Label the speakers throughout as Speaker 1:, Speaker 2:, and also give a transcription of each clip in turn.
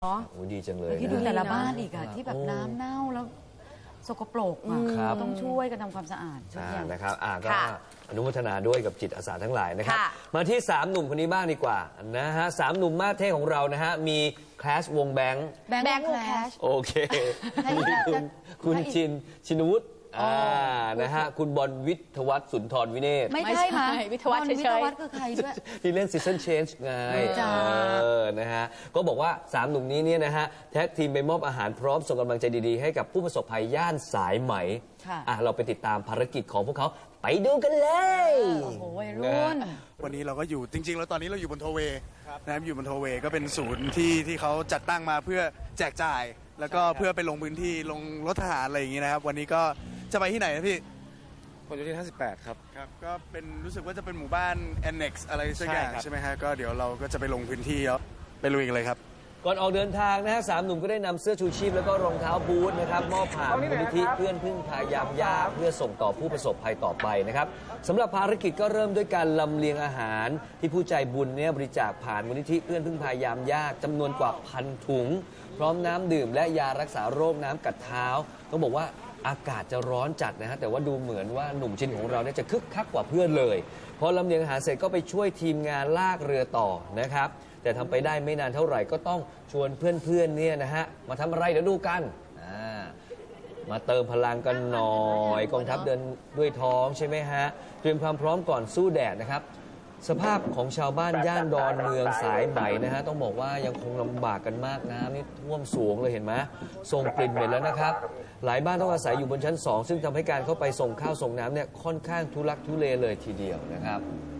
Speaker 1: เนาะ
Speaker 2: โอ้ดีจังเลย
Speaker 1: ที่ดู
Speaker 2: นะ
Speaker 1: แต่ละบ้านอีกอะที่แบบน้ำเน่าแล้วสกปรกอะ
Speaker 2: ครับ
Speaker 1: ต้องช่วยกันทำความสะอาดทุกอย่าง
Speaker 2: นะครับก็
Speaker 3: ค่ะ
Speaker 2: อนุโมทนาด้วยกับจิตอาสาทั้งหลายนะครับ
Speaker 3: ค่ะ
Speaker 2: มาที่ 3 หนุ่มคนนี้บ้างดีกว่านะฮะ3 หนุ่มมาสเท่ของเรานะฮะมีคลาสวงแบงค์
Speaker 1: แบงค์แคลช
Speaker 2: โอเค
Speaker 1: ให้อีก
Speaker 2: มี
Speaker 1: แล้ว
Speaker 2: คุณ
Speaker 1: ให้อีก
Speaker 2: ชินวุฒินะฮะคุณบอลวิทยวัฒน์สุนทรวิเนศ
Speaker 1: ไม่ใช่มา
Speaker 3: วิทยาวัฒน์เฉยๆ
Speaker 1: วิทยาวัฒน์คือใครด้วย
Speaker 2: ที่เล่น Season Change ไง
Speaker 1: รู้จัก
Speaker 2: นะฮะก็บอกว่า 3 หนุ่มนี้เนี่ยนะฮะแท็กทีมไปมอบอาหารพร้อมส่งกำลังใจดีๆ ให้กับผู้ประสบภัยย่านสายไหม
Speaker 1: ค่ะ
Speaker 2: เราไปติดตามภารกิจของพวกเขาไปดูกันเลย
Speaker 1: โอ้โหวัยรุ่น
Speaker 4: วันนี้เราก็อยู่จริงๆแล้วตอนนี้เราอยู่บนโทเวย์นะครับอยู่บนโทเวย์ก็เป็นศูนย์ที่เขาจัดตั้งมาเพื่อแจกจ่าย แล้วก็เพื่อไปลงพื้นที่ลงรถทหารอะไรอย่างงี้นะครับวันนี้ก็จะไปที่ไหนนะพี่
Speaker 5: ผลโยธิน58 ครับ
Speaker 4: ครับก็เป็นรู้สึกว่าจะเป็นหมู่บ้าน Annex อะไรสักอย่าง
Speaker 5: ใช่ครับ
Speaker 4: ใช่ไหมฮะก็เดี๋ยวเราก็จะไปลงพื้นที่แล้วไปลุยกันเลยครับ
Speaker 2: ก่อนออกเดินทางนะฮะ3 หนุ่มก็ได้นำเสื้อชูชีพแล้วก็รองเท้าบูทนะครับมอบผ่านมูลนิธิเพื่อนพึ่งพายามยากเพื่อส่งต่อผู้ประสบภัยต่อไปนะครับสำหรับภารกิจก็เริ่มด้วยการลำเลียงอาหารที่ผู้ใจบุญเนี่ยบริจาคผ่านมูลนิธิเพื่อนพึ่งพายามยากจำนวนกว่า1,000 ถุง พร้อมน้ำดื่มและยารักษาโรคน้ำกัดเท้าต้องบอกว่าอากาศจะร้อนจัดนะฮะแต่ว่าดูเหมือนว่าหนุ่มชินของเราเนี่ยจะคึกคักกว่าเพื่อนเลยพอลำเลียงอาหารเสร็จก็ไปช่วยทีมงานลากเรือต่อนะครับแต่ทำไปได้ไม่นานเท่าไหร่ก็ต้องชวนเพื่อนๆเนี่ยนะฮะมาทำอะไรเดี๋ยวดูกันมาเติมพลังกันหน่อยกองทัพเดินด้วยท้องใช่ไหมฮะเตรียมความพร้อมก่อนสู้แดดนะครับสภาพของชาวบ้านย่านดอนเมืองสายไหมนะฮะต้องบอกว่ายังคงลำบากกันมากน้ำนี่ท่วมสูงเลยเห็นไหมส่งกลิ่นเหม็นแล้วนะครับหลายบ้านต้องอาศัยอยู่บนชั้น 2 ซึ่งทำให้การเข้าไปส่งข้าวส่งน้ำเนี่ยค่อนข้างทุลักทุเลเลยทีเดียวนะครับ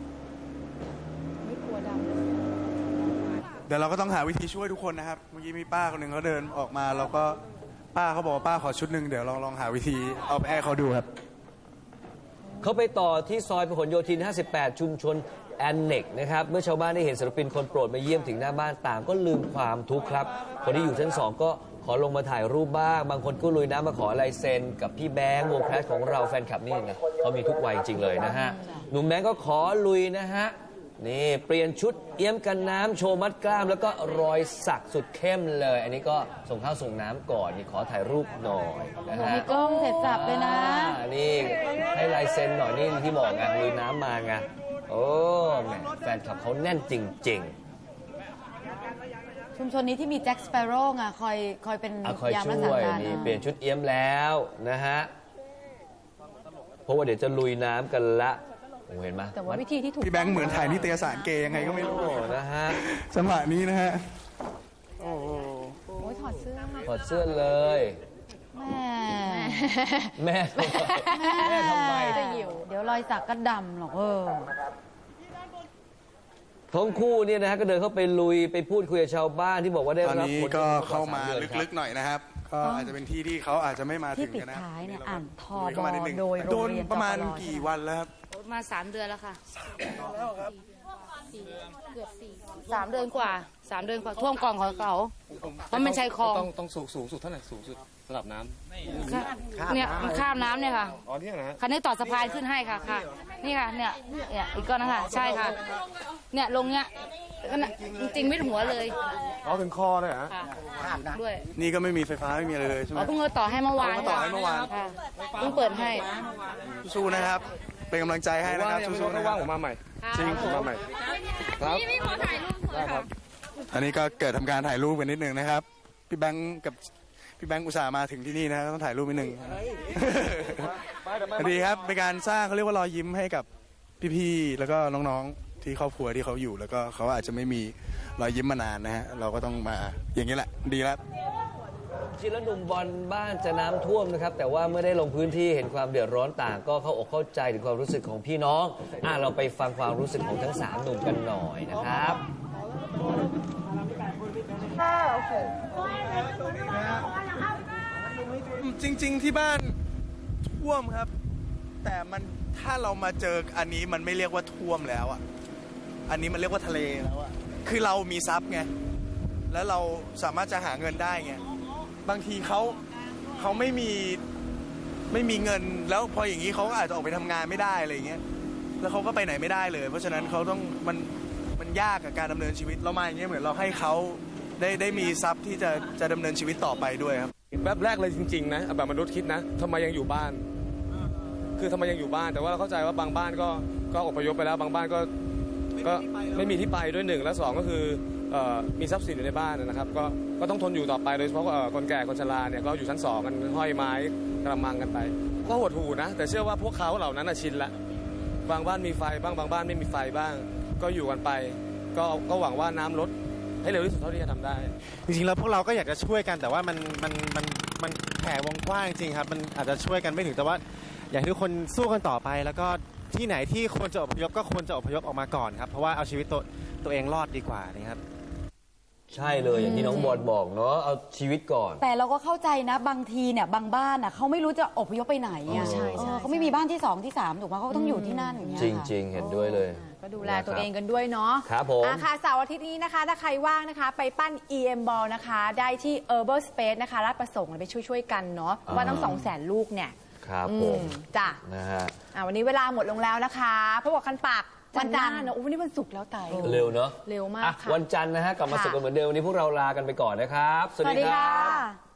Speaker 4: เดี๋ยวเราก็ต้องหาวิธีช่วยทุกคนนะครับเมื่อกี้มีป้าคนหนึ่งเขาเดินออกมาเราก็ป้าเขาบอกว่าป้าขอชุดหนึ่งเดี๋ยวลองหาวิธีเอาไปให้เขาดูครับ
Speaker 2: เขาไปต่อที่ซอยพหลโยธิน 58 ชุมชนแอนเน็กนะครับเมื่อชาวบ้านได้เห็นศิลปินคนโปรดมาเยี่ยมถึงหน้าบ้านต่างก็ลืมความทุกข์ครับคนที่อยู่ชั้น 2 ก็ขอลงมาถ่ายรูปบ้างบางคนก็ลุยน้ำมาขอลายเซ็นกับพี่แบงค์วงแคลชของเราแฟนคลับนี่นะเขามีทุกวัยจริงเลยนะฮะหนุ่มแบงค์ก็ขอลุยนะฮะนี่เปลี่ยนชุดเอี้ยมกันน้ำโชว์มัดกล้ามแล้วก็รอยสักสุดเข้มเลย อันนี้ก็ส่งข้าวส่งน้ำก่อนนี่ขอถ่ายรูปหน่อยนะฮะ
Speaker 1: มีกล้องเสร็จสับเลยนะ
Speaker 2: นี่ให้ลายเซ็นหน่อยนี่ที่บอกไงลุยน้ำมาไงโอ้แหมแฟนคลับเขาแน่นจริง
Speaker 1: ชุมชนนี้ที่มีแจ็คสเปโร่ไงคอยเป็น
Speaker 2: คอย
Speaker 1: ยาม
Speaker 2: ช่
Speaker 1: รักษา
Speaker 2: วย
Speaker 1: การ
Speaker 2: นี่เปลี่ยนชุดเอี้ยมแล้วนะฮะเพราะว่าเดี๋ยวจะลุยน้ำกันละโอ้เห็นไหม
Speaker 1: แต่ว่าวิธีที่ถูก
Speaker 4: พี่แบงค์เหมือนถ่ายนิตยสารเกย์ยังไงก็ไม่รู้
Speaker 2: โอ้นะฮะ
Speaker 4: จังหวะนี้นะฮะโอ้โห
Speaker 1: โอ้ยถอดเสื้อ
Speaker 2: ถอดเสื้อเลย
Speaker 1: แม่
Speaker 2: แม่ทำไม
Speaker 1: จะหิวเดี๋ยวรอยสักก็ดำหรอก
Speaker 2: ทั้งคู่เนี่ยนะฮะก็เดินเข้าไปลุยไปพูดคุยกับชาวบ้านที่บอกว่าได้
Speaker 4: ตอน
Speaker 2: รับ
Speaker 4: นี้
Speaker 2: ผล
Speaker 4: ก็
Speaker 2: ระทบ
Speaker 4: เข้ามา
Speaker 2: 3 ดือนครับ
Speaker 4: ลึกๆหน่อยนะครับ ก็อาจจะเป็นที่ที่เขาอาจจะไม่มา
Speaker 1: ที่
Speaker 4: ถึง
Speaker 1: ปิด
Speaker 4: กันนะ
Speaker 1: ท้ายเนี่ย
Speaker 4: เรา
Speaker 1: อ่านทอ
Speaker 4: ลุยเข้ามานิดนึง
Speaker 1: โดย
Speaker 4: โด
Speaker 1: โรง
Speaker 4: น
Speaker 1: เรียน
Speaker 4: ประมาณ
Speaker 1: จป
Speaker 4: กี่วันแล้วครับ
Speaker 3: มา3 เดือนแล้วค่ะเกือบ3 เดือนกว่า3 เดือนกว่าท่วมกล่องของเขาเพราะมันใช้คลอง
Speaker 5: ต้องสูงสุดเท่าไหร่สูงสุดระดับน้ำ
Speaker 3: เนี่ยมันข้ามน้ำเนี่ยค่ะ
Speaker 5: อ๋อเนี่ยนะฮะ
Speaker 3: คันนี้ต่อสะพานขึ้นให้ค่ะค่ะ นี่ค่ะเนี่ยอีกก้อนนะคะใช่ค่ะ เนี่ยลงเนี่ยก็น่ะจริงๆไม่ถึงหัวเลย
Speaker 5: อ๋อถึงคอเลยเหรอฮะ
Speaker 3: ค่ะด้วย
Speaker 4: นี่ก็ไม่มีไฟฟ้าไม่มีอะไรเลยใช่ไหม
Speaker 3: อ๋อเพิ่งเอาต่อให้เมื่อวาน
Speaker 4: เพิ่งต่อให้เมื่อวาน
Speaker 3: ค่ะเพิ่งเปิดให้
Speaker 4: สู้นะครับ เป็นกำลังใจให้นะครับ
Speaker 5: ยังไม่
Speaker 4: สู้
Speaker 5: รู้
Speaker 4: ๆนะค
Speaker 5: ว่า
Speaker 4: รับ
Speaker 5: ผมมาใหม่
Speaker 4: จริง
Speaker 5: ผมมาใหม่ครับ
Speaker 3: นี่ขอถ่ายรูป
Speaker 5: ได้ครับ
Speaker 4: อันนี้ก็เกิดทำการถ่ายรูปกันนิดนึงนะครับพี่แบงค์กับพี่แบงค์อุตส่าห์มาถึงที่นี่นะต้องถ่ายรูปนิดนึงดีครับเป็นการสร้างเขาเรียกว่ารอยยิ้มให้กับพี่ๆแล้วก็น้องๆที่ครอบครัวที่เขาอยู่ แล้วก็เขาอาจจะไม่มีรอยยิ้มมานานนะฮะเราก็ต้องมาอย่างนี้แหละดีแล้ว
Speaker 2: จริงแล้วหนุ่มบอลบ้านจะน้ำท่วมนะครับแต่ว่าเมื่อได้ลงพื้นที่เห็นความเดือดร้อนต่าง ก็เข้าอกเข้าใจถึงความรู้สึกของพี่น้องเราไปฟังความรู้สึกของทั้ง3 หนุ่มกันหน่อยนะครับ
Speaker 4: จริงๆที่บ้านท่วมครับ แต่มันถ้าเรามาเจออันนี้มันไม่เรียกว่าท่วมแล้วอ่ะอันนี้มันเรียกว่าทะเลแล้วอ่ะคือเรามีทรัพย์ไงแล้วเราสามารถจะหาเงินได้ไงบางทีเขาไม่มีเงินแล้วพออย่างนี้เขาก็อาจจะออกไปทำงานไม่ได้อะไรอย่างเงี้ยแล้วเขาก็ไปไหนไม่ได้เลย เพราะฉะนั้นเขาต้องมันยากกับการดำเนินชีวิตเรามาอย่างเงี้ยเหมือนเราให้เขาได้มีทรัพย์ที่จะดำเนินชีวิตต่อไปด้วยครับ
Speaker 5: แวบแรกเลยจริงๆนะแบบมนุษย์คิดนะทำไมยังอยู่บ้าน คือทำไมยังอยู่บ้านแต่ว่าเราเข้าใจว่าบางบ้านก็อพยพไปแล้วบางบ้านก็ไม่มีที่ไปด้วย1และ2ก็คือมีทรัพย์สินอยู่ในบ้านนะครับก็ต้องทนอยู่ต่อไปโดยเฉพาะคนแก่คนชราเนี่ยก็อยู่ชั้น2กันห้อยไม้กระมังกันไปก็หดหู่นะแต่เชื่อว่าพวกเขาเหล่านั้นชินละบางบ้านมีไฟบ้างบางบ้านไม่มีไฟบ้าง ก็อยู่กันไปก็หวังว่าน้ำลดให้เร็วที่สุดเท่าที่จะทำได้
Speaker 6: จริงๆแล้วพวกเราก็อยากจะช่วยกันแต่ว่ามันแผ่วงกว้างจริงครับมันอาจจะช่วยกันไม่ถึงแต่ว่าอยากให้ทุกคนสู้กันต่อไปแล้วก็ที่ไหนที่ควรจะอพยพก็ควรจะอพยพออกมาก่อนครับเพราะว่าเอาชีวิตตัวเองรอดดีกว่านะครับ
Speaker 2: ใช่เลยอย่างที่น้องบอลบอกเนาะเอาชีวิตก่อน
Speaker 1: แต่เราก็เข้าใจนะบางทีเนี่ยบางบ้านเขาไม่รู้จะอพยพไปไหนอ่ะ
Speaker 2: ใช่
Speaker 1: เขาไม่มีบ้านที่2ที่3ถูกไหมเขาก็ต้องอยู่ที่นั่นอย่างเงี้ย
Speaker 2: จริงๆเห็นด้วยเลย
Speaker 7: ก็ดูแลตัวเองกันด้วยเนาะ
Speaker 2: ครับผม
Speaker 7: ค่ะเสาร์อาทิตย์นี้นะคะ ถ้าใครว่างนะคะ ไปปั้น EM Ball นะคะ ได้ที่ Herbal Space นะคะราชประสงค์ไปช่วยกันเนาะว่าตั้ง 200,000 ลูกเนี่ย
Speaker 2: ครับผม
Speaker 7: จ้ะ
Speaker 2: นะฮะ
Speaker 7: วันนี้เวลาหมดลงแล้วนะคะพบกับคันปากวันจันทร์เนอะวันนี้วันศุกร์แล้วไต่
Speaker 2: เร็วเนาะ
Speaker 7: เร็วมาก
Speaker 2: อ่ะ
Speaker 7: ค่ะ
Speaker 2: วันจันทร์นะฮะกลับมา
Speaker 7: ค่ะ
Speaker 2: สุขกันเหมือนเดิมวันนี้พวกเราลากันไปก่อนนะครับ
Speaker 7: สวัสดีค่ะ